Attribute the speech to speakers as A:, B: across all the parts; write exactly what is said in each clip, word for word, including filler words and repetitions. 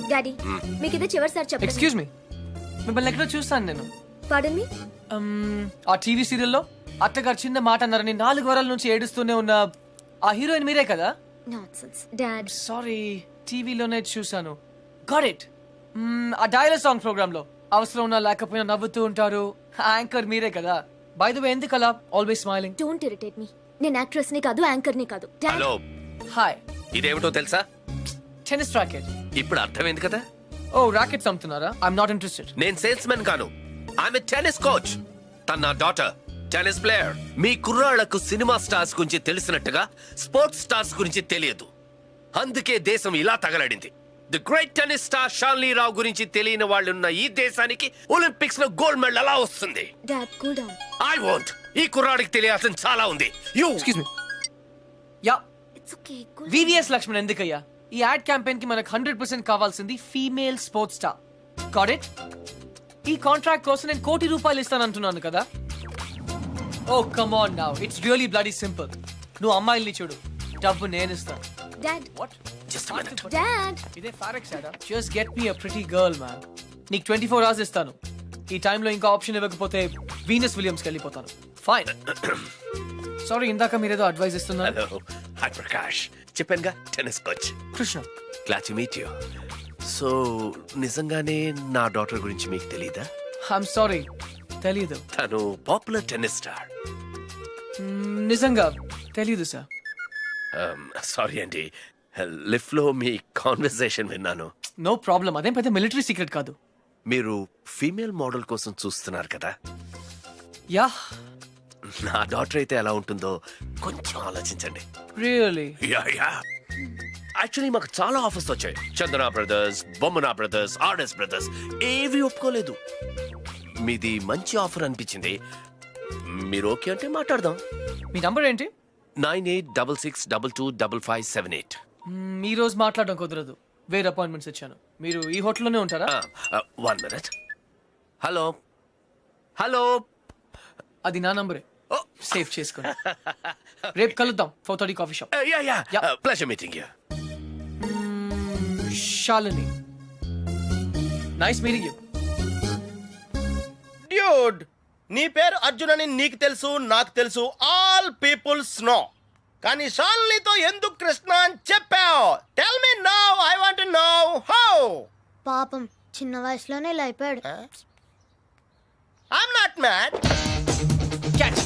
A: Daddy మీకు ఇదే చివరిసారి చెప్పండి.
B: ఎక్స్క్యూజ్ మీ, మిమ్మల్ని ఎక్కడో చూస్తాను నేను.
A: పాడన్ మీ.
B: Um, ఆ టీవీ సీరియల్లో అత్తగారు చిన్న మాట అన్నారని నాలుగు వారాల నుంచి ఏడుస్తూనే ఉన్న ఆ హీరోయిన్ మీరే కదా?
A: Nonsense dad.
B: సారీ, టీవీలోనే చూసాను. Got it. ఆ డైలాగ్ సాంగ్ ప్రోగ్రామ్ లో అవసరం ఉన్నా లేకపోయినా నవ్వుతూ ఉంటారు. యాంకర్ మీరే కదా? బై ద వే, ఎందుకు అలా always smiling?
A: Don't irritate me. నేను యాక్ట్రెస్ ని కాదు, యాంకర్ ని కాదు.
C: Hello,
B: hi.
C: ఇదేమిటో తెలుసా?
B: Tennis racket.
C: ఇప్పుడు అర్థమైంది కదా.
B: ఓ, రాకెట్స్ అమ్ముతున్నారా? I'm not interested.
C: నేను సేల్స్ మెన్ కాను, ఆమె టెన్నిస్ కోచ్. తన నా డాటర్ టెన్నిస్ ప్లేయర్. మీ కుర్రాళ్లకు సినిమా స్టార్స్ గురించి తెలిసినట్టుగా స్పోర్ట్స్ స్టార్స్ గురించి తెలియదు. అందుకే దేశం ఇలా తగలడింది. The great tennis star Shanly Rao గురించి తెలియని వాళ్ళున్న ఈ దేశానికి ఒలింపిక్స్ లో గోల్డ్ మెడల్ ఎలా వస్తుంది?
A: Dad cool down.
C: I want. ఈ కుర్రాడికి తెలియాల్సిన చాలా ఉంది. You
B: excuse me. Yeah,
A: it's okay. Cool.
B: VVS Laxman ఎందుకయ్యా? ఈ యాడ్ క్యాంపెయిన్ కి మనకు హండ్రెడ్ పర్సెంట్ కావాల్సింది female sports star. Got it? ఈ కాంట్రాక్ట్ కోసం నేను కోటి రూపాయలు ఇస్తానంటున్నాను కదా. Oh come on now, it's really bloody simple. నువ్వు అమ్మాయిల్ని చూడు, డబ్బు నేను ఇస్తాను.
A: Dad.
B: What?
C: Just minute.
A: Dad.
B: ఇదే ఫారెక్స్ యాడా? జస్ట్ గెట్ మీ అ ప్రిటీ గర్ల్ మ్యాన్. నీకు ట్వంటీ ఫోర్ అవర్స్ ఇస్తాను. ఈ టైంలో ఇంకా ఆప్షన్ ఇవ్వకపోతే వీనస్ విలియమ్స్కి వెళ్ళిపోతాను. ఫైన్. సారీ, ఇందాక మీరేదో అడ్వైస్ ఇస్తున్నారు.
C: Hello, hi Prakash. చెప్పానుగా, tennis coach.
B: Krishna.
C: Glad to meet you. So నిజంగానే నా డాటర్ గురించి మీకు తెలీదా?
B: ఐఎమ్ సారీ, తెలీదు.
C: తను పాపులర్ టెన్నిస్ స్టార్.
B: నిజంగా తెలీదు సార్.
C: సారీ అండి, లిఫ్ట్ లో మీ కాన్వర్సేషన్ విన్నాను.
B: నో ప్రాబ్లం, అదేం పెద్ద మిలిటరీ సీక్రెట్ కాదు.
C: మీరు ఫీమేల్ మోడల్ కోసం చూస్తున్నారు కదా.
B: యా.
C: నా డాటర్ అయితే ఎలా ఉంటుందో కొంచెం ఆలోచించండి.
B: రియల్లీ?
C: యా యా యాక్చువల్లీ మాకు చాలా ఆఫర్స్ వచ్చాయి. Chandana brothers, Bommana brothers, RS brothers ఏవి ఒప్పుకోలేదు. మీది మంచి ఆఫర్ అనిపించింది. మీరు ఓకే అంటే మాట్లాడదాం.
B: మీ నంబర్ ఏంటి?
C: Nine eight double six double two double five seven eight.
B: మ్మ్, ఈ రోజు మాట్లాడడం కుదరదు, వేరే అపాయింట్మెంట్స్ ఇచ్చాను. మీరు ఈ హోటల్లోనే ఉంటారా?
C: One minute. హలో హలో,
B: అది నా నంబరే, సేవ్ చేసుకోండి. రేపు కలుద్దాం, four thirty coffee shop.
C: Yeah yeah
B: Yeah.
C: Pleasure meeting you.
B: Shalini, nice meeting you.
D: Dude, నీ పేరు అర్జున్ అని నీకు తెలుసు, నాకు తెలుసు, ఆల్ పీపుల్స్ నో. కానీ షాలినితో ఎందుకు కృష్ణ అని చెప్పావు? Tell me now, I want to know how.
A: పాపం చిన్న వయసులోనే ఇలా అయిపోయాడు.
D: I'm not mad.
B: Catch.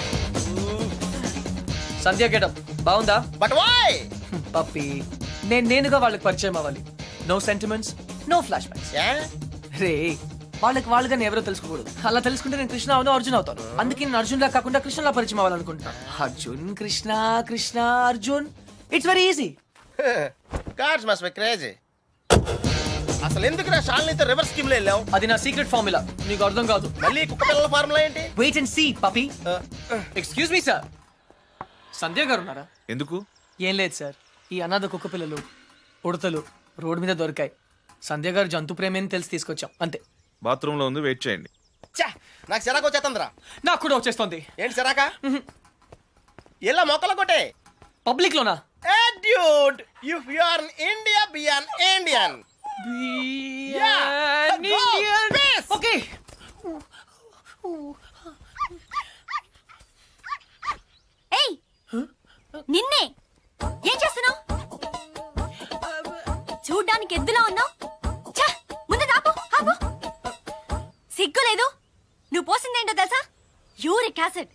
B: Sandhya getup బాగుందా?
D: But why?
B: పప్పి, నేను నేనుగా వాళ్ళకి పరిచయం అవ్వాలి. No sentiments, no flashbacks. రే, వాళ్ళకి వాళ్ళుగా నేను ఎవరో తెలుసుకోకూడదు. అలా తెలుసుకుంటే నేను కృష్ణ అవును, అర్జున్ అవుతాను. అందుకే నేను అర్జున్ లా కాకుండా కృష్ణలా పరిచయం అవ్వాలనుకుంటున్నా. Arjun Krishna, Krishna Arjun, it's very easy.
D: Cars must be crazy. అసలు ఎందుకు నా షాలినితో రివర్స్ స్కీమ్ లో వెళ్ళావు?
B: అది నా సీక్రెట్ ఫార్ములా, నీకు అర్థం కాదు.
D: మళ్ళీ కుక్క పిల్లల ఫార్ములా ఏంటి?
B: Wait and see Pappi. Excuse me sir, Sandhya గారు ఉన్నారా?
E: ఎందుకు?
B: ఏం లేదు సార్, ఈ అనాథ కుక్క పిల్లలు ఉడతలు రోడ్డు మీద దొరికాయి. సంధ్య గారు జంతు ప్రేమని తెలిసి తీసుకొచ్చాం, అంతే.
E: బాత్రూంలో ఉంది, వెయిట్ చేయండి.
D: ఛా, నాకు సిరాకు వచ్చేస్తుందిరా.
B: నాకు కూడా వచ్చేస్తుంది.
D: ఏంటి సిరాక? ఇలా మొక్కలు కొట్టే
B: పబ్లిక్ లోనా?
D: ఏ dude, if you are in India, be an Indian. Yeah, go, peace.
B: Okay.
A: ఏయ్, నిన్నే ఏం చేస్తున్నావు? చూడ్డానికి ఎద్దులా ఉన్నావు. ముందు ఆపు, ఆపు. సిగ్గు లేదు? నువ్వు పోసిందేంటో తెలుసా? Uric acid.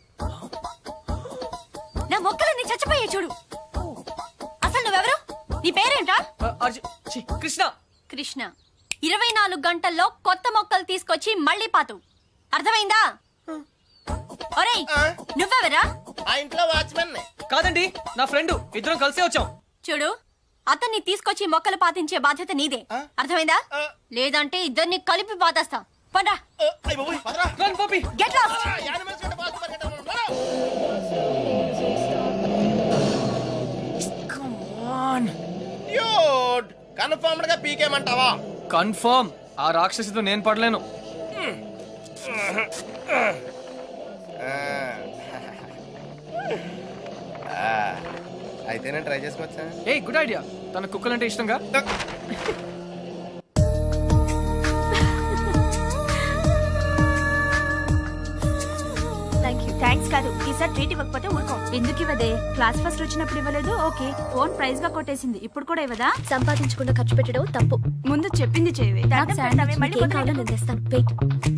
A: నా మొక్కలన్నీ చచ్చిపోయాయి చూడు. అసలు నువ్వెవరు? నీ పేరేంటా?
B: అర్జున్, ఛీ, కృష్ణ.
A: కృష్ణ. ఇరవై నాలుగు గంటల్లో కొత్త మొక్కలు తీసుకొచ్చి మళ్ళీ పాతు. అర్థమైందా? ఒరేయ్, నువ్వెవరా?
D: ఆ ఇంట్లో వాచ్మెన్.
B: కాదండి, నా ఫ్రెండ్, ఇద్దరం కలిసే వచ్చాం.
A: చూడు, అతన్ని తీసుకొచ్చి మొక్కలు పాతించే బాధ్యత నీదే. అర్థమైందా? లేదంటే ఇద్దరిని కలిపి పాతేస్తా. పదా.
B: Run Pappi.
A: Get lost.
B: Come on.
D: Dude, confirmed గా పీకేమంటావా?
B: కన్ఫర్మ్. ఆ రాక్షసితో నేను పడలేను.
D: అయితే నేను ట్రై చేసుకోవచ్చా?
B: A good idea. తన కుక్కలంటే ఇష్టంగా.
F: కాదు ఈసారి ట్రీట్ ఇవ్వకపోతే ఊరుకో. ఎందుకు ఇవ్వదే? క్లాస్ ఫస్ట్ వచ్చినప్పుడు ఇవ్వలేదు, ఓకే. ఫోన్ ప్రైజ్ గా కొట్టేసింది, ఇప్పుడు కూడా ఇవ్వదా?
A: సంపాదించకుండా ఖర్చు పెట్టడం తప్పు.
F: ముందు చెప్పింది చేయవే.
A: నాకు శాండ్విచ్
F: మళ్ళీ
A: మీకేం కావాలో నేను తెస్తాను. వెయిట్.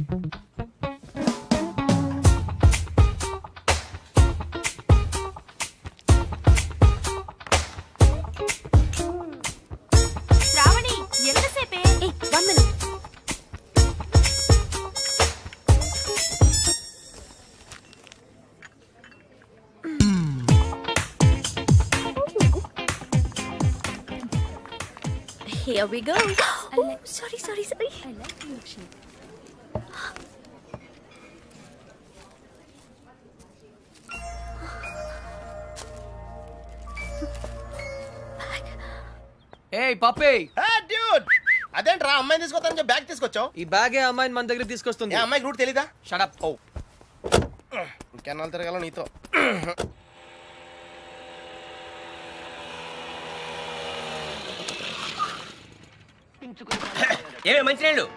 F: శ్రావణి ఎంతసేపే?
A: ఏ one minute. Here we go. Oh, sorry, sorry, sorry. I like you actually.
B: ఏ పప్పే,
D: డ్యూడ్ అదేంట్రా అమ్మాయిని తీసుకొస్తానని చెప్పి బ్యాగ్ తీసుకొచ్చావు?
B: ఈ బ్యాగే అమ్మాయిని మన దగ్గర తీసుకొస్తుంది.
D: ఏ అమ్మాయికి రూట్ తెలీదా?
B: షడప్.
D: ఓ ఇంకెన్నాళ్ళు తిరగాల నీతో.
C: ఏమే మంచినీళ్ళు?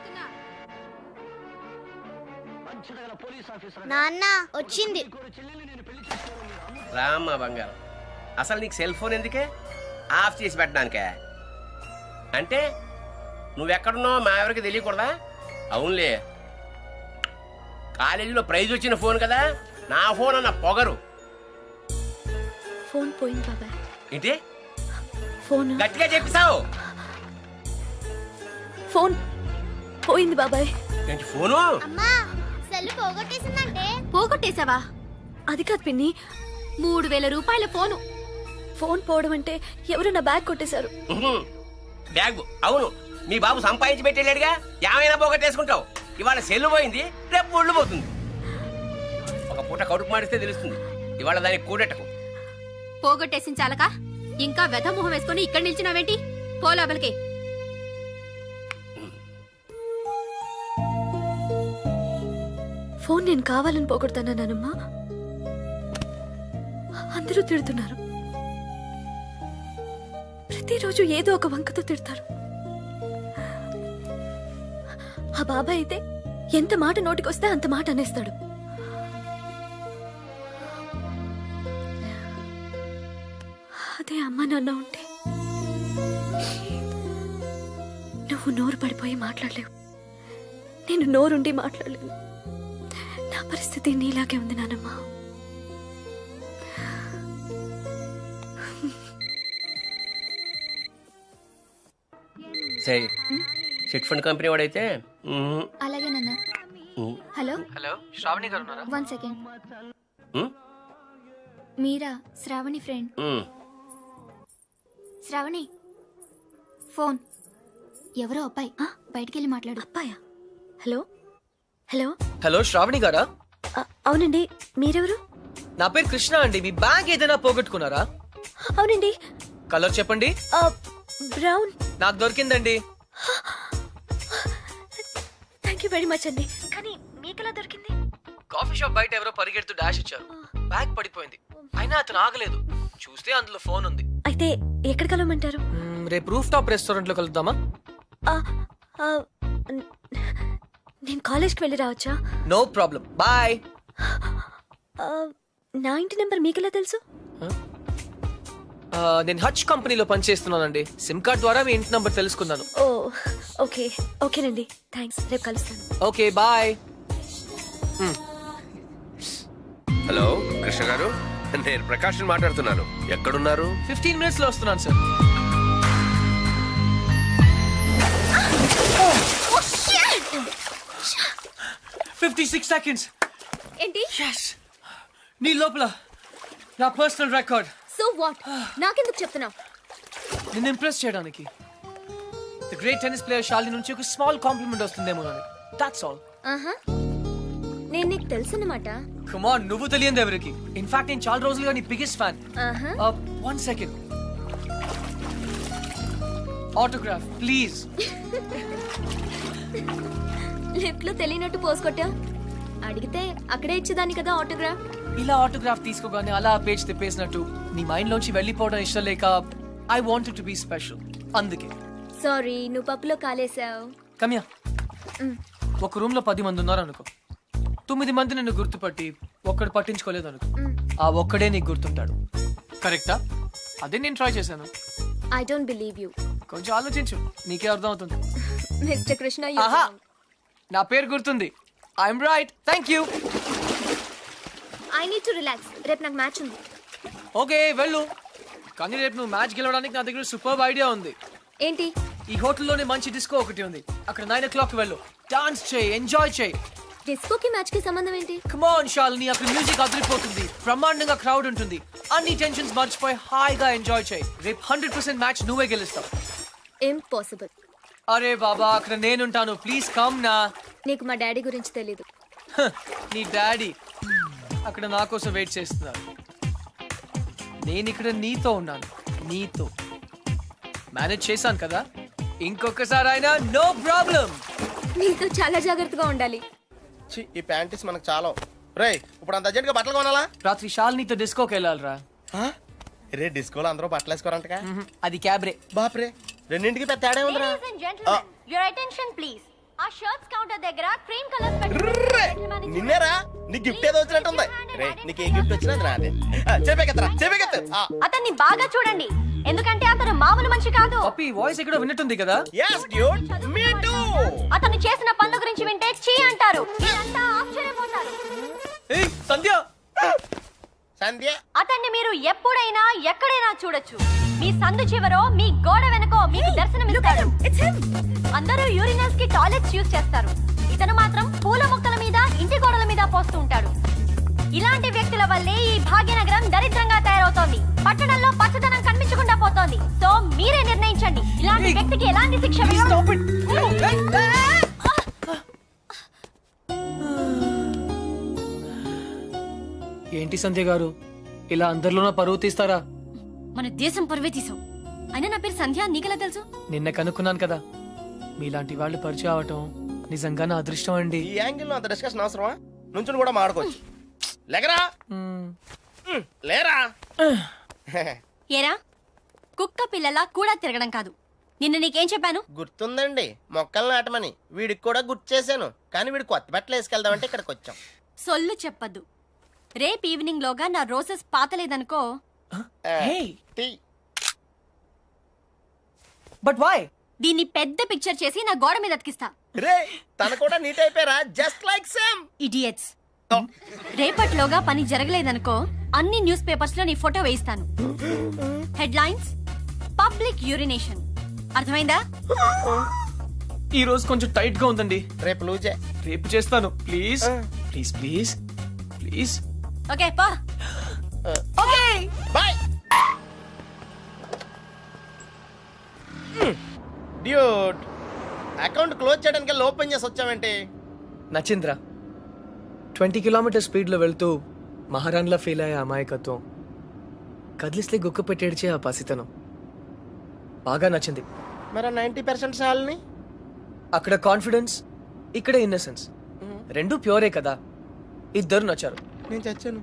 G: నాన్న వచ్చింది.
C: రామ్మా బంగారం, అసలు నీకు సెల్ ఫోన్ ఎందుకే? ఆఫ్ చేసి పెట్టడానికే? అంటే నువ్వెక్కడున్నావు మా ఎవరికి తెలియకూడదా? అవునులే, కాలేజీలో ప్రైజ్ వచ్చిన ఫోన్ కదా, నా ఫోన్ అన్న పొగరు.
A: ఫోన్ పోయింది బాబాయ్.
C: ఏంటి
A: ఫోన్
C: గట్టిగా చెప్పిసావు?
A: ఫోన్ పోయింది బాబాయ్.
C: ఏంటి ఫోను?
G: అమ్మా సెల్ పోగొట్టేసిందంటే.
A: పోగొట్టేశావా? అది కాదు పిన్ని, మూడు వేల రూపాయల ఫోను. ఫోన్ పోవడం అంటే ఎవరు నా బ్యాగ్ కొట్టేశారు.
C: ఉహుం. బ్యాగ్ అవును, మీ బాబు సంపాదించి పెట్టేళ్ళాడుగా, ఏమైనా పోగొట్టేసుకుంటావు. ఇవాళ సెల్లు పోయింది, రేపు ఒళ్ళు పోతుంది. ఒక పూట కడుపు మాడిస్తే తెలుస్తుంది. ఇవాళ దానికి కూడెట్టకు.
A: పోగొట్టేసిన చాలక ఇంకా వెధ మొహం వేసుకొని ఇక్కడ నిల్చున్నావేంటి? పో లోపలికి. ఫోన్ నేను కావాలని పోగొడతానా నానమ్మా? అందరూ తిడుతున్నారు. ప్రతిరోజు ఏదో ఒక వంకతో తిడతారు. ఆ బాబాయ్ అయితే ఎంత మాట నోటికొస్తే అంత మాట అనేస్తాడు. అదే అమ్మ నాన్న ఉంటే నువ్వు నోరు పడిపోయి మాట్లాడలేవు, నేను నోరుండి మాట్లాడలేను. నా పరిస్థితి నీలాగే ఉంది నానమ్మా.
C: సరే, చిట్ ఫండ్ కంపెనీ వాడైతే ఉహుం.
G: అలాగే నాన్న.
C: ఉహుం.
G: హలో
B: హలో, శ్రావణి గారు ఉన్నారా?
G: One second.
C: ఉహుం.
G: మీరా? శ్రావణి ఫ్రెండ్.
C: ఉహుం.
G: శ్రావణి ఫోన్. ఎవరో అబ్బాయి, బయటికెళ్ళి మాట్లాడు.
A: అబ్బాయా? Hello hello.
B: హలో, శ్రావణి గారా?
A: అ- అవునండి, మీరెవరు?
B: నా పేరు కృష్ణ అండి. మీ బ్యాగ్ ఏదైనా పోగొట్టుకున్నారా?
A: అవునండి.
B: కలర్ చెప్పండి.
A: ఆ, బ్రౌన్.
B: నాకు దొరికిందండి.
A: థ్యాంక్ యూ వెరీ మచ్ అండి. కానీ మీకెలా దొరికింది?
B: కాఫీ షాప్ బయట ఎవరో పరిగెడుతూ డాష్ ఇచ్చారు. బ్యాగ్ పడిపోయింది. అయినా అతను ఆగలేదు. చూస్తే అందులో ఫోన్ ఉంది.
A: అయితే ఎక్కడ కలవమంటారు?
B: మ్మ్, రేపు రూఫ్ టాప్ రెస్టారెంట్ లో కలుద్దామా?
A: ఆ, ఆ, న- నేను కాలేజ్కి వెళ్ళి రావచ్చా?
B: No problem, bye.
A: ఆ, నా ఇంటి నెంబర్ మీకెలా తెలుసు?
B: నేను హచ్ కంపెనీలో పనిచేస్తున్నానండి. సిమ్ కార్డ్ ద్వారా మీ ఇంటి నంబర్ తెలుసుకున్నాను.
A: ఓ ఓకే ఓకేనండి, థ్యాంక్స్. రేపు కలుస్తాను.
B: Okay bye.
C: హలో కృష్ణ గారు, నేను ప్రకాష్ మాట్లాడుతున్నాను. ఎక్కడున్నారు?
B: ఫిఫ్టీన్ మినిట్స్ లో వస్తున్నాను సార్. Fifty six seconds.
A: ఏంటి?
B: Yes. నీ లోపల నా పర్సనల్ రికార్డ్.
A: So what? నాకెందుకు చెప్తున్నావు?
B: నిన్ను ఇంప్రెస్ చేయడానికి. The great tennis player Shalini నుంచి ఒక స్మాల్ కాంప్లిమెంట్ వస్తుందేమో అని. That's all.
A: ఆహా, నేను నీకు తెలుసు అన్నమాట.
B: కమ్ ఆన్, నువ్వు తెలియదు ఎవరికి. ఇన్ఫాక్ట్ నేను చాలా రోజులుగా నీ బిగ్గెస్ట్ ఫ్యాన్.
A: ఆహా,
B: one second. Autograph please.
A: Lift లో తెలియనట్టు పోసుకొట్టా. అడిగితే అక్కడే ఇచ్చేదాన్ని కదా ఆటోగ్రాఫ్.
B: ఇలా ఆటోగ్రాఫ్ తీసుకోగానే అలా పేజ్ తిప్పేసినట్టు నీ మైండ్ లోంచి వెళ్ళిపోవడం ఇష్టం లేక I wanted to be special. అందుకే.
A: సారీ, నువ్వు పప్పులో కాలేసావు.
B: కమ్యా, ఒక రూమ్ లో పది మంది ఉన్నారు అనుకో. తొమ్మిది మంది నిన్ను గుర్తుపట్టి ఒక్కడు పట్టించుకోలేదు అనుకో ఆ ఒక్కడే నీకు గుర్తుంటాడు కరెక్టా అదే నేను ట్రై చేశాను
H: ఐ డోంట్ బిలీవ్ యూ
B: కొంచెం ఆలోచించు నీకే అర్థం అవుతుంది
H: మిస్టర్ కృష్ణ
B: ఆహా నా పేరు గుర్తుంది I'm right thank you
H: I need to relax రేపు నాకు మ్యాచ్ ఉంది
B: ఓకే వెళ్ళు కానీ రేపు నువ్వు మ్యాచ్ గెలవడానికి నా దగ్గర సూపర్ ఐడియా ఉంది
H: ఏంటి
B: ఈ హోటల్లోనే మంచి డిస్కో ఒకటి ఉంది అక్కడ నైన్ ఓ క్లాక్ వెళ్ళు డాన్స్ చేయి ఎంజాయ్ చేయి
H: డిస్కోకి మ్యాచ్ కి సంబంధం ఏంటి
B: కమాన్ శాలిని అక్కడ మ్యూజిక్ అదిరిపోతుంది బ్రహ్మాండంగా క్రౌడ్ ఉంటుంది అన్ని టెన్షన్స్ మర్చిపోయి హాయిగా ఎంజాయ్ చేయి రేపు హండ్రెడ్ పర్సెంట్ మ్యాచ్ నువ్వే గెలుస్తావు
H: ఇంపాసిబుల్
B: అరే బాబా అక్కడ నేనుంటాను ప్లీజ్ కమ్ నా
H: నీకు మా డాడీ గురించి తెలీదు
B: హ, నీ డాడీ అక్కడ నా కోసం వెయిట్ చేస్తున్నారు నేను ఇక్కడ నీతో ఉన్నాను నీతో మేనేజ్ చేశాను కదా ఇంకొకసారి అయినా నో ప్రాబ్లం
H: నీతో చాలా జాగ్రత్తగా ఉండాలి
D: ఛీ, ఈ ప్యాంటీస్ మనకు చాలా రే ఇప్పుడు అంత అర్జెంట్ గా బట్టలు కొనాలా
B: రాత్రి శాలినితో డిస్కోకి వెళ్ళాలిరా
D: ఆ? రే డిస్కోలో అందరూ బట్టలు వేసుకోరంటగా
B: మ్మ్, అది క్యాబ్రే
D: బాప్రే రెండింటికి పెద్ద తేడా ఉందిరా
A: Ladies and gentlemen, your attention please. ఆ షర్ట్స్ కౌంటర్ దగ్గర క్రీమ్ కలర్
D: ర్రే! నిన్నేరా నీ గిఫ్ట్ ఏదో వచ్చినట్టుంది రే నీకు ఏ గిఫ్ట్ వచ్చినా అది నాదే చెప్పేకెత్తరా చెప్పేకెత్తు
A: అతన్ని బాగా చూడండి ఎందుకంటే అతను మామూలు మనిషి కాదు.
B: పప్పి వాయిస్ ఎక్కడో విన్నట్టుంది కదా
D: yes dude me too
A: అతను చేసిన పనుల గురించి వింటే చీ అంటారు. మీరంతా ఆశ్చర్యపోతారు.
B: ఏయ్ సంధ్య
D: సంధ్య
A: అతన్ని మీరు ఎప్పుడైనా ఎక్కడైనా చూడొచ్చు. మీ సందు చివరో మీ గోడ వెనకో మీకు దర్శనమిస్తాడు. అందరూ యూరినల్స్ కి టాయిలెట్స్ యూజ్ చేస్తారు. ఇతను మాత్రం పూల మొక్కల మీద ఇంటి గోడల మీద పోస్తూ ఉంటాడు. ఇలాంటి వ్యక్తుల వల్లే ఈ భాగ్యనగరం దరిద్రంగా తయారవుతోంది. పట్టణంలో పచ్చదనం కనిపించకుండా పోతోంది. సో మీరే నిర్ణయించండి ఇలాంటి వ్యక్తికి ఎలాంటి శిక్ష వేయాలో.
B: Stop it. Hey. ఏంటి సంధ్య గారు ఇలా అందరిలోనూ పరువు తీస్తారా
A: మన దేశం పరువే తీసావు. అయినా నా పేరు సంధ్య నీకెలా తెలుసు?
B: నిన్న కనుక్కున్నాను కదా మీలాంటి వాళ్ళు పరిచయం అవటం నిజంగా నా అదృష్టం అండి
D: ఈ యాంగిల్ లో అంత డిస్కషన్ అవసరమా నుంచుని కూడా మాడుకోవచ్చు లేకరా
B: మ్మ్.
D: ఉమ్, లేరా
A: ఏరా కుక్క పిల్లలా కూడా తిరగడం కాదు. నిన్న నీకేం చెప్పాను?
D: గుర్తుందండి మొక్కలు నాటమని వీడికి కూడా గుర్తు చేశాను కానీ వీడు కొత్త బట్టలు వేసుకెళ్దామంటే ఇక్కడికి వచ్చాం
A: సొల్లు చెప్పద్దు. రేపు ఈవినింగ్ లోగా నా రోజెస్ పాతలేదనుకో.
D: ఆ,
B: Hey.
D: టీ.
B: బట్ వై
A: దీన్ని పెద్ద పిక్చర్ చేసి నా గోడ మీద అతికిస్తా.
D: రే తన కూడా నీట్ అయిపోయారా జస్ట్ లైక్ సేమ్
A: ఇడియట్స్. రేపటిలోగా పని జరగలేదనుకో అన్ని న్యూస్ పేపర్స్ లో నీ ఫోటో వేయిస్తాను. Headlines public urination. అర్థమైందా?
B: ఈ రోజు కొంచెం టైట్ గా ఉందండి
D: రేపు లూజే
B: రేపు చేస్తాను please please please please
A: okay పా.
B: Okay
D: bye dude account close చేయడానికి ఓపెన్ చేసి వచ్చామంటే
B: నచింద్ర ట్వంటీ కిలోమీటర్ స్పీడ్లో వెళ్తూ మహారాణ్లా ఫీల్ అయ్యే అమాయకత్వం కదిలిస్తే గుక్క పెట్టేడ్చే ఆ పసితనం బాగా నచ్చింది.
D: మరి నైంటీ పర్సెంట్ సాల్ని
B: అక్కడ కాన్ఫిడెన్స్ ఇక్కడ ఇన్నసెన్స్ రెండు ప్యూరే కదా ఇద్దరు నచ్చారు.
D: నేను చచ్చాను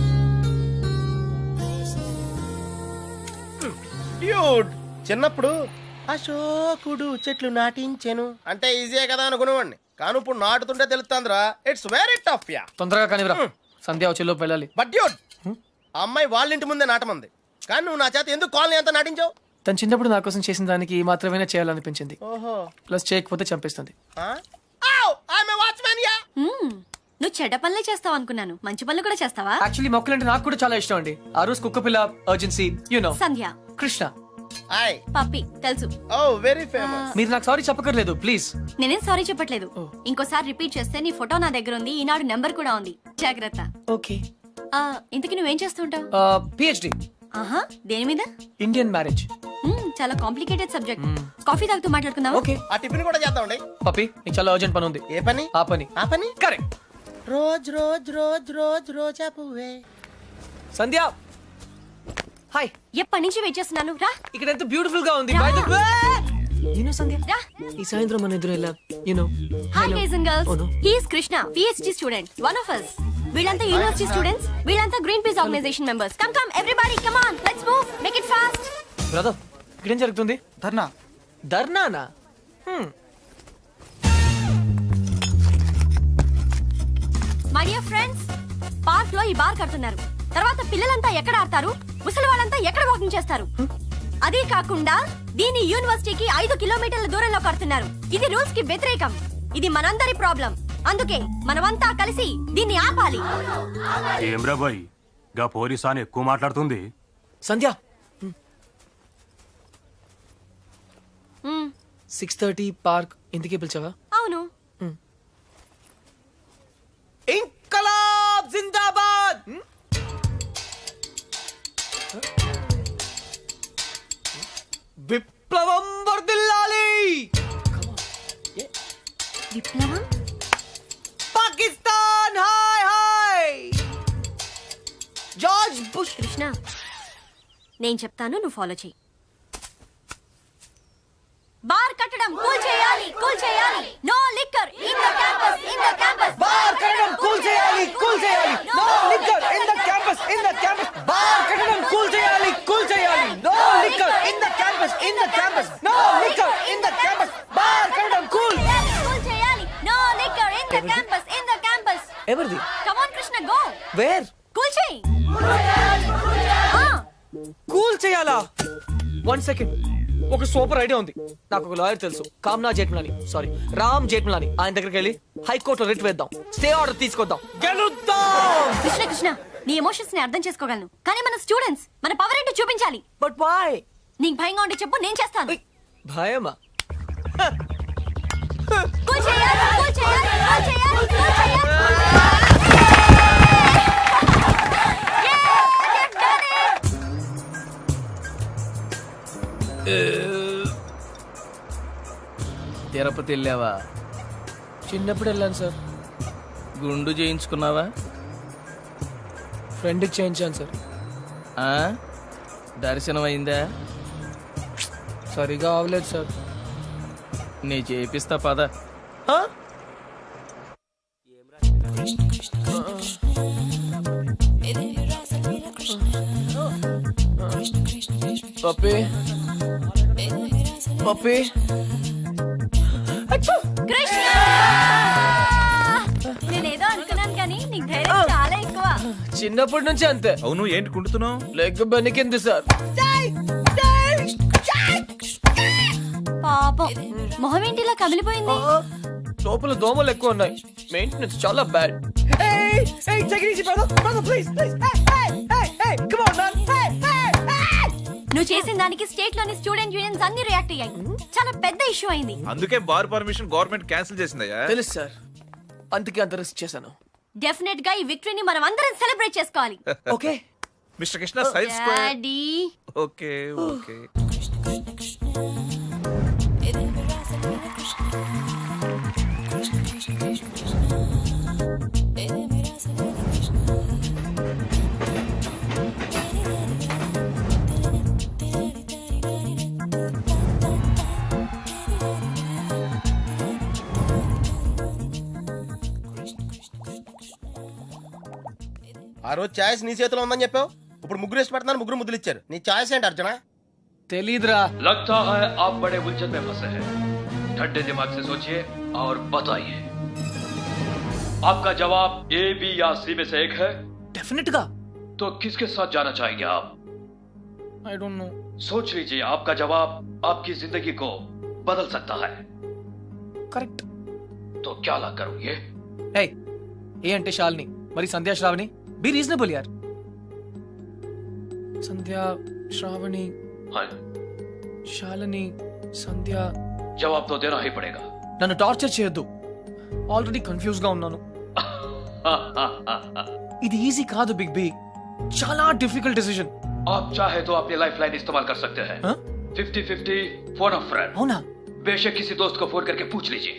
D: డ్యూడ్ చిన్నప్పుడు అశోకుడు చెట్లు నాటించెను అంటే ఈజీయే కదా అనుకునేవాడిని కానీ ఇప్పుడు నాటుతుంటే తెలుస్తుందిరా ఇట్స్ వెరీ టఫ్ యా
B: తొందరగా కానివ్వరా సంధ్య వచ్చేలోపు వెళ్ళాలి.
D: బట్ డ్యూడ్ ఆ అమ్మాయి వాళ్ళ ఇంటి ముందే నాటమంది కానీ నువ్వు నా చేత ఎందుకు కాలనీ అంతా నాటించావు?
B: తను చిన్నప్పుడు నా కోసం చేసిన దానికి ఈ మాత్రమే చేయాలనిపించింది.
D: ఓహో
B: ప్లస్ చేయకపోతే చంపేస్తుంది.
D: Watchman ya
A: hmm. నువ్వు చెడ్డ పనులే చేస్తావు అనుకున్నాను. మంచి పనులు కూడా చేస్తావా?
B: యాక్చువల్లీ మొక్కలంటే నాకు కూడా చాలా ఇష్టం అండి. ఆ రోజు కుక్క పిల్ల urgency you know
A: Sandhya
B: Krishna
D: hi
A: puppy తెలుసు.
D: ఓ వెరీ ఫేమస్
B: మీరు నాకు సారీ చెప్పకర్లేదు ప్లీజ్.
A: నేనేం సారీ చెప్పట్లేదు. ఇంకోసారి రిపీట్ చేస్తే నీ ఫోటో నా దగ్గర ఉంది. ఈనాడు నెంబర్ కూడా ఉంది. జాగ్రత్త.
B: ఓకే
A: ఆ, ఇంతకీ నువ్వేం చేస్తుంటావు?
B: పిహెచ్డి
A: ఆహా దేని మీద?
B: Indian marriage.
A: మ్మ్, చాలా కాంప్లికేటెడ్ సబ్జెక్ట్. కాఫీ తాగుతూ మాట్లాడుకుందాం.
B: ఓకే
D: ఆ టిఫిన్ కూడా చేద్దామండి.
B: పప్పి నీకు చాలా అర్జెంట్ పని ఉంది.
D: ఏ పని?
B: ఆ పని
D: ఆ పని
B: correct.
D: Rose rose rose rose రోజా పువ్వే.
B: సంధ్య హాయ్
A: ఎప్పటి నుంచి వెయిట్ చేస్తున్నాను. రా
B: ఇక్కడ ఎంత బ్యూటిఫుల్ గా ఉంది. By the way you know Sandhya
A: రా.
B: ఈ సాయంత్రం మన ఎదురు ఎలా you know
A: hi guys and
B: Oh, no.
A: Girls. He is Krishna, PhD student, one of us. వీళ్ళంతా యూనివర్సిటీ స్టూడెంట్స్. వీళ్ళంతా Greenpeace organisation members. Come come everybody come on let's move make it fast.
B: Brother ఇక్కడ ఏం జరుగుతుంది?
I: ధర్నా
B: ధర్నానా? Hmm.
A: My dear friends, park లో ఈ bar కడుతున్నారు. తర్వాత పిల్లలంతా ఎక్కడ ఆడతారు, ముసలి వాళ్ళంతా ఎక్కడ వాకింగ్ చేస్తారు? అదే కాకుండా దీని యూనివర్సిటీకి ఐదు కిలోమీటర్ల దూరంలో కడుతున్నారు. ఇది రూల్స్ కి వ్యతిరేకం. ఇది మనందరి ప్రాబ్లం. అందుకే మనమంతా కలిసి దీన్ని ఆపాలి.
I: ఏమ్రా బాయ్ గా పోలీసాని ఎక్కువ మాట్లాడుతుంది.
B: సంధ్య
A: మ్మ్,
B: సిక్స్ థర్టీ పార్క్ ఇంటికి పిలిచావా?
A: అవును.
B: ఇంకలాబ్ జిందాబాద్. విప్లవం వర్ధిల్లాలి.
A: విప్లవం?
B: Pakistan hi hi. George Bush.
A: Krishna, నేను చెప్తాను, నువ్వు ఫాలో చెయ్యి. బార్ కట్టడం కూల్ చేయాలి, కూల్ చేయాలి. No liquor in the campus, in the campus.
B: Bar కట్టడం కూల్ చేయాలి, కూల్ చేయాలి. No liquor in the campus, in the campus. Bar కట్టడం కూల్ చేయాలి, కూల్ చేయాలి. No liquor in the campus, in the campus. No liquor in the campus. Bar కట్టడం cool
A: cool చేయాలి. No liquor in the campus, in the campus.
B: ఎవరిది?
A: Come on Krishna, go.
B: Where?
A: Cool చేయి. ఆ,
B: cool చేయాలా? One second. ఒక super idea ఉంది. నాకు ఒక లాయర్ తెలుసు, కామ్నా జేట్మలాని, సారీ రామ్ జేట్మలాని. ఆయన దగ్గరికి వెళ్ళి హైకోర్టులో రిట్ వేద్దాం, స్టే ఆర్డర్ తీసుకొద్దాం, గెలుద్దాం.
A: కృష్ణ కృష్ణ, నీ ఎమోషన్స్ ని అర్థం చేసుకోగలను, కానీ మన స్టూడెంట్స్, మన పవర్ ఏంటో చూపించాలి.
B: But why?
A: నీకు భయంగా ఉంటే చెప్పు, నేను చేస్తాను.
B: భయమా?
A: కూల్ చేయాలి, కూల్ చేయాలి, కూల్ చేయాలి, కూల్ చేయాలి.
J: తిరుపతి వెళ్ళావా?
B: చిన్నప్పుడు వెళ్ళాను సార్.
J: గుండు చేయించుకున్నావా?
B: ఫ్రెండ్కి చేయించాను సార్.
J: ఆ? దర్శనం అయిందా?
B: సరిగా అవలేదు సార్.
J: నీ చేపిస్తా పద.
B: ఆ? పప్పి పప్పి
A: కృష్ణ, నేనేదో అనుకున్నాను, కానీ నీకు ధైర్యం చాలా ఎక్కువ.
B: చిన్నప్పటి నుంచి అంతే.
E: అవును ఏంటి కుంటున్నావు?
B: Leg బెనికింది sir.
A: పాపం, మొహం ఏంటి ఇలా కమిలిపోయింది?
B: లోపల దోమలు ఎక్కువ ఉన్నాయి. మెయింటెనెన్స్ చాలా బ్యాడ్.
A: నువ్వు చేసిన దానికి స్టేట్ లోని స్టూడెంట్ యూనియన్స్ అన్ని రియాక్ట్ అయ్యాయి. చాలా పెద్ద ఇష్యూ అయింది.
E: అందుకే బార్ పర్మిషన్ గవర్నమెంట్ క్యాన్సిల్ చేసిందయ్యా.
B: తెలుసు సార్, అందుకే అంత రిస్క్ చేశాను.
A: డెఫినెట్ గా ఈ విక్టరీని మనం అందరం సెలబ్రేట్ చేసుకోవాలి.
B: Okay
E: mister Krishna science square.
A: Daddy,
E: okay okay.
D: ఆ రోజు ఛాయిస్ నీ చేతిలో ఉందని చెప్పావు, ఇప్పుడు ముగ్గురు ఇష్టపడుతున్నారు, ముగ్గురు ముద్దులు ఇచ్చారు. నీ ఛాయిస్ ఏంటి అర్జున?
B: తెలీదురా.
K: लगता है आप बड़े उलझन में फंसे हैं। ठंडे दिमाग से सोचिए और बताइए, आपका जवाब ए, बी या सी में से एक है।
B: డెఫినెట్ గా.
K: तो किसके साथ जाना चाहेंगे आप?
B: I don't know.
K: सोच लीजिए, आपका जवाब आपकी जिंदगी को बदल सकता है।
B: కరెక్ట్.
K: तो क्या ला करोगे?
B: ఏయ్, ఏ అంటే శాలిని, మరి సంధ్యా శ్రావణి. బి రీజనబుల్ యార్. సంధ్యా శ్రావణి
K: हाँ,
B: శాలిని సంధ్య.
K: जवाब तो देना ही पड़ेगा।
B: నన్ను టార్చర్ చేయొద్దు, ఆల్రెడీ కన్ఫ్యూజ్ గా ఉన్నాను. ఇది ఈజీ కాదు బిగ్ బి, చాలా డిఫికల్ట్ డిసిజన్.
K: आप चाहे तो अपनी लाइफ लाइन इस्तेमाल कर सकते हैं।
B: हाँ?
K: Fifty fifty phone of friend.
B: అవునా?
K: बेशक किसी दोस्त को फोन करके पूछ लीजिए।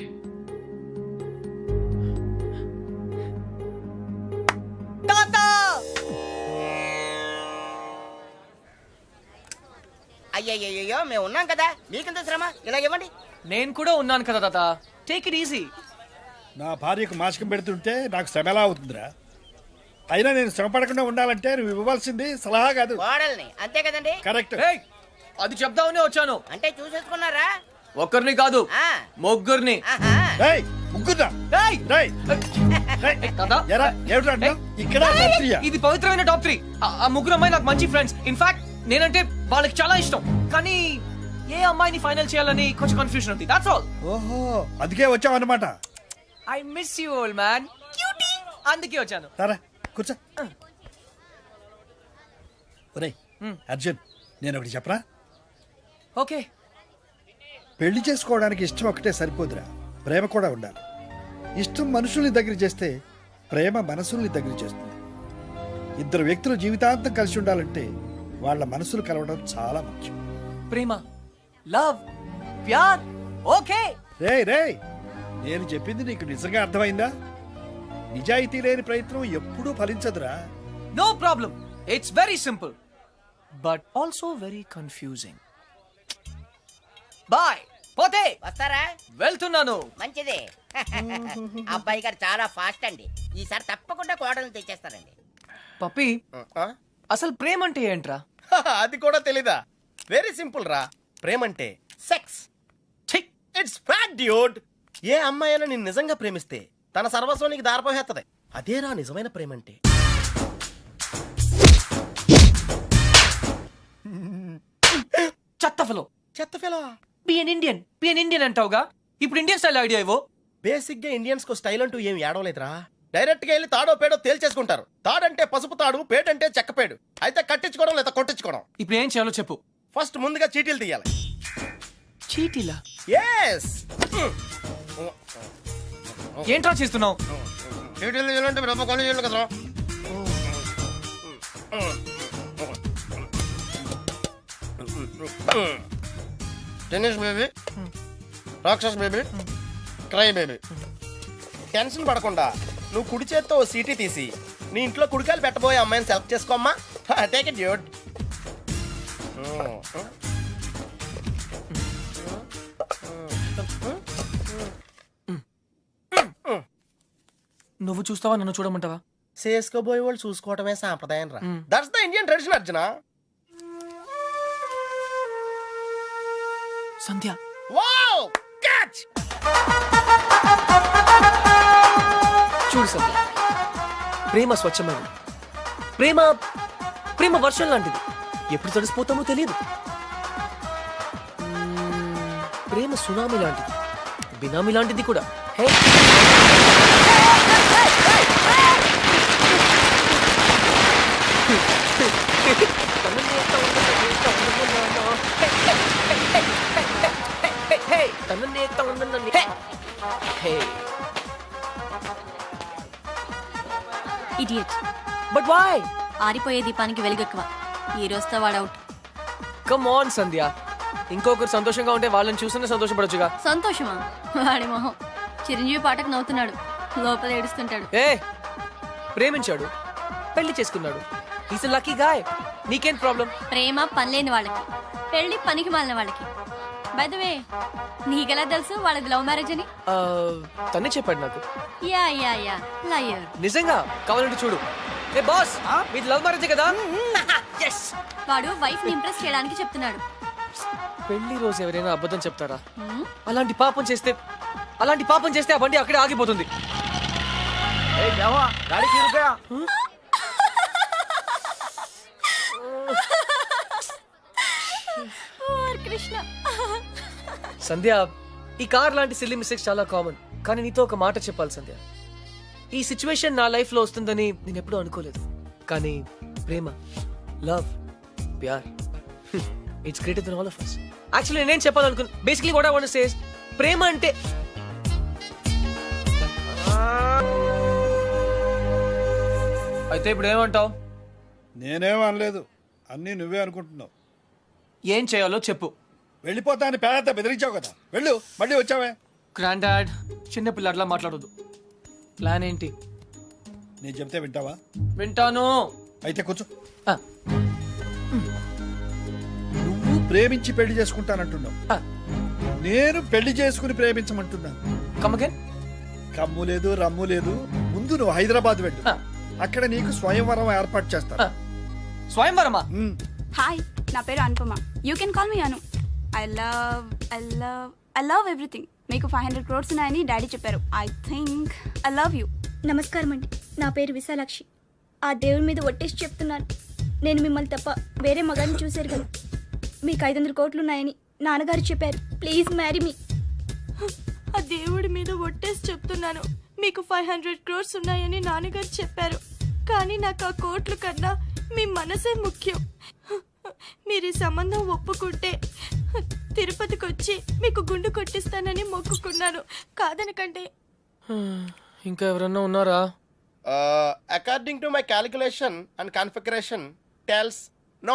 L: అయ్యయ్యో మేము ఉన్నాం కదా, మీకెంత శ్రమ, ఇలా ఇవ్వండి.
B: నేను కూడా ఉన్నాను కదా తాత, టేక్ ఇట్ ఈజీ.
M: నా భార్యకు మాసికం పెడుతుంటే నాకు శ్రమ ఎలా అవుతుందిరా? అయినా నేను శ్రమ పడకుండా ఉండాలంటే నువ్వు ఇవ్వవలసింది సలహా కాదు,
L: కోడల్ని, అంతే కదండి?
M: కరెక్ట్.
B: ఏయ్, అది చెప్దామనే వచ్చాను.
L: అంటే చూసేసుకున్నారా?
B: ఒక్కరిని కాదు,
L: ఆ.
B: ముగ్గురిని.
L: ఆహా.
M: ఏయ్, ముగ్గురా.
B: ఏయ్,
M: రేయ్ ఏయ్,
B: కదా
M: ఎరా ఏమిట్రా అంటున్నావ్? ఇక్కడ రాత్రియా?
B: ఇది పవిత్రమైన టాప్ త్రీ ఆ ముగ్గురు అమ్మాయి నాకు మంచి ఫ్రెండ్స్ ఇన్ఫాక్ట్ నేనంటే వాళ్ళకి చాలా ఇష్టం కానీ ఏ అమ్మాయిని ఫైనల్ చేయాలని కొంచెం కన్ఫ్యూజన్ ఉంది దాట్స్ ఆల్
M: ఓహో అందుకే వచ్చావు అనమాట.
B: I miss you old man cutie అందుకే వచ్చాను
M: సరే కూర్చో. ఒరేయ్ అర్జున్ నేను ఒకటి చెప్పరా,
B: ఓకే
M: పెళ్లి చేసుకోవడానికి ఇష్టం ఒకటే సరిపోదురా, ప్రేమ కూడా ఉండాలి. ఇష్టం మనుషుల్ని దగ్గర చేస్తే ప్రేమ మనసుల్ని దగ్గర చేస్తుంది. ఇద్దరు వ్యక్తులు జీవితాంతం కలిసి ఉండాలంటే వాళ్ళ మనసులు కలవడం చాలా ముఖ్యం.
B: ప్రేమ లవ్ ప్యార్ ఓకే
M: రే రే నేను చెప్పింది నీకు నిజంగా అర్థమైందా? నిజాయితీ లేని ప్రయత్నం ఎప్పుడూ ఫలించదురా.
B: No problem it's very simple but also very confusing bye పోతే
L: వస్తారా?
B: వెళ్తున్నాను
L: మంచిది. అబ్బాయి గారు చాలా ఫాస్ట్ అండి, ఈసారి తప్పకుండా కోడలు తెచ్చేస్తారండి.
B: పప్పి అసలు ప్రేమ అంటే ఏంట్రా?
D: అది కూడా తెలీదా? వెరీ సింపుల్ రా, ప్రేమంటే సెక్స్. It's fact dude. ఏ అమ్మాయి అయినా నిన్ను నిజంగా ప్రేమిస్తే తన సర్వస్వం నీకు దారిపోహేత్తది. అదేరా నిజమైన ప్రేమంటే.
B: చెత్త ఫలో
D: చెత్త ఫెలో.
B: పిఎన్ ఇండియన్ పిఎన్ ఇండియన్ అంటావుగా, ఇప్పుడు ఇండియన్ స్టైల్ ఐడియా ఇవ్వు.
D: బేసిక్ గా ఇండియన్స్ కు స్టైల్ అంటూ ఏం ఏడవలేదురా. డైరెక్ట్ గా వెళ్ళి తాడో పేడో తేల్చేసుకుంటారు. తాడంటే పసుపు తాడు, పేడంటే చెక్కపేడు. అయితే కట్టించుకోవడం లేదా కొట్టించుకోవడం.
B: ఇప్పుడు ఏం చేయాలో చెప్పు.
D: ఫస్ట్ ముందుగా చీటీలు తీయాలి.
B: చీటీలా?
D: ఎస్.
B: ఏంట్రా చేస్తున్నావు?
D: చీటీలు తీయాలంటే రూపాయి కొని చేయాలి కదరా. టెన్నిస్ బేబీ, రాక్షస్ బేబీ, క్రై బేబీ. టెన్షన్ పడకుండా నువ్వు కుడి చేత్తో ఓ సీటీ తీసి నీ ఇంట్లో కుడికాయలు పెట్టబోయే అమ్మాయిని సెలెక్ట్ చేసుకోమ్మా. Take it dude.
B: నువ్వు చూస్తావా నన్ను చూడమంటావా?
D: చేసుకోబోయే వాళ్ళు చూసుకోవటమే సాంప్రదాయం రా. That's the Indian tradition Arjuna.
B: Sandhya.
D: Wow catch.
B: చూడు సంధ్య, ప్రేమ స్వచ్ఛమైనది. ప్రేమ ప్రేమ వర్షం లాంటిది, ఎప్పుడు తడిసిపోతామో తెలియదు. మ్మ్, ప్రేమ సునామీ లాంటిది, బినామీ లాంటిది కూడా. Hey
A: idiot.
B: But why?
A: ఆరిపోయే దీపానికి వెలుగెక్కువ. ఈ రోజుతో వాడవుట్.
B: కమ్ ఆన్ సంధ్య, ఇంకొకరు సంతోషంగా ఉంటే వాళ్ళని చూస్తేనే సంతోషపడొచ్చుగా.
A: సంతోషమా? వాడి మొహం. చిరంజీవి పాటకు నవ్వుతున్నాడు, లోపల ఏడుస్తుంటాడు.
B: ఏ ప్రేమించాడు, పెళ్లి చేసుకున్నాడు. Is lucky guy. నీకేం ప్రాబ్లం?
A: ప్రేమ పనిలేని వాళ్ళకి, పెళ్లి పనికి మాలిన వాళ్ళకి. బై ద వే, నీకెలా తెలుసు వాళ్ళది లవ్ మ్యారేజ్ అని?
B: తనే చెప్పాడు నాకు.
A: Ya ya ya liar.
B: నిజంగా? కావాలంటే చూడు. ఏ బాస్, మీది లవ్ మ్యారేజ్ కదా?
A: yes. వాడు వైఫ్ ని ఇంప్రెస్ చేయడానికి చెప్తున్నాడు.
B: పెళ్లి రోజు ఎవరైనా అబద్ధం చెప్తారా? అలాంటి పాపం చేస్తే అలాంటి పాపం చేస్తే ఆ బండి అక్కడే ఆగిపోతుంది.
A: కృష్ణ.
B: సంధ్య, ఈ కార్ లాంటి సిల్లీ మిస్టేక్స్ చాలా కామన్. కానీ నీతో ఒక మాట చెప్పాలి సంధ్య. ఈ సిచ్యువేషన్ నా లైఫ్ లో వస్తుందని నేను ఎప్పుడూ అనుకోలేదు. కానీ ప్రేమ, లవ్, ప్యార్, it's greater than all of us. Actually నేనేం చెప్పాలనుకున్నా, basically what I want to say is, ప్రేమ అంటే అయితే ఇప్పుడు ఏమంటావు?
M: నేనేం అనలేదు, అన్నీ నువ్వే అనుకుంటున్నావు.
B: ఏం చేయాలో చెప్పు.
M: వెళ్ళిపోతా అని పేద బెదిరించావు కదా, వెళ్ళు. మళ్ళీ వచ్చావే.
B: గ్రాండ్ డాడ్, చిన్న పిల్లట్లా మాట్లాడొద్దు. ప్లాన్ ఏంటి?
M: నేను చెప్తే వింటావా?
B: వింటాను.
M: అయితే కూర్చో.
B: ఆ,
M: నువ్వు ప్రేమించి పెళ్లి చేసుకుంటానంటున్నావు,
B: ఆ,
M: నేను పెళ్లి చేసుకుని ప్రేమించమంటున్నాను.
B: come again?
M: కమ్ము లేదు, రమ్ము లేదు. ముందు నువ్వు హైదరాబాద్ వెళ్ళు,
B: ఆ,
M: అక్కడ నీకు స్వయంవరం ఏర్పాటు చేస్తాను.
B: ఆ. స్వయంవరమా?
M: ఉమ్.
F: హాయ్, నా పేరు Anupama. You can call me Anu. I love I love I love everything. మీకు ఫైవ్ హండ్రెడ్ క్రోడ్స్ ఉన్నాయని డాడీ చెప్పారు. I think I love you.
G: నమస్కారం అండి, నా పేరు విశాలాక్షి. ఆ దేవుడి మీద ఒట్టేసి చెప్తున్నాను, నేను మిమ్మల్ని తప్ప వేరే మగాన్ని చూశారు కదా. మీకు ఐదు వందల కోట్లు ఉన్నాయని నాన్నగారు చెప్పారు. Please marry me.
F: ఆ దేవుడి మీద ఒట్టేసి చెప్తున్నాను, మీకు ఫైవ్ హండ్రెడ్ క్రోర్స్ ఉన్నాయని నాన్నగారు చెప్పారు. కానీ నాకు ఆ కోట్లు కన్నా మీ మనసే ముఖ్యం. మీరు ఈ సంబంధం ఒప్పుకుంటే తిరుపతికి వచ్చి మీకు గుండు కొట్టిస్తానని మొక్కుకున్నాను. కాదనకంటే.
B: ఇంకా ఎవరన్నా ఉన్నారా?
D: According to my calculation and configuration tells no.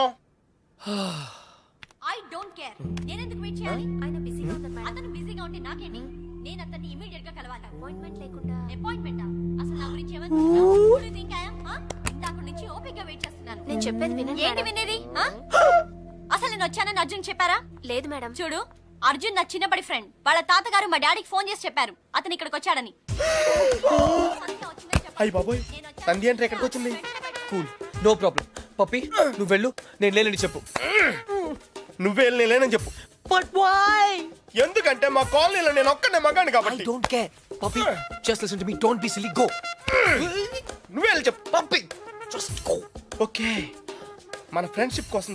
A: I don't care. నేను ఎందుకు వెయిట్ చేయాలి? ఆయన బిజీగా ఉన్నారు మేడం. అతను బిజీగా ఉంటే నాకేంటి? నేను అతన్ని ఇమిడియట్ గా కలవాలి. అపాయింట్మెంట్ లేకుండా. అపాయింట్మెంట్ అసలు నా గురించి ఏమనుకుంటున్నావు? థింక్ ఐ యామ్ ఇందాక నుంచి ఓపిక వెయిట్ చేస్తున్నాను.
H: నేను చెప్పేది వినండి
A: ఏంటి
H: మేడం.
A: వినేది? ఆ? అసలు నేను వచ్చానని అర్జున్ చెప్పారా?
H: లేదు మేడం.
A: చూడు, అర్జున్ నా చిన్నప్పటి ఫ్రెండ్. వాళ్ళ తాతగారు మా డాడీకి ఫోన్ చేసి చెప్పారు అతను ఇక్కడికి వచ్చాడని.
D: అయ్యి బాబోయ్, తంది అంటే ఎక్కడికి వచ్చింది?
B: Cool, no problem. పప్పి నువ్వు వెళ్ళు, నేను లేనని చెప్పు.
D: నువ్వే లేనని చెప్పు.
B: But why?
D: ఎందుకంటే మా కాలనీలో నేను ఒక్కనే మగాను
B: ఐ
D: కాబట్టి.
B: Don't care. Puppy just listen to me, don't be silly, go.
D: నువ్వే వెళ్ళి చెప్పు.
B: Puppy just go.
D: ఓకే, మన ఫ్రెండ్షిప్ కోసం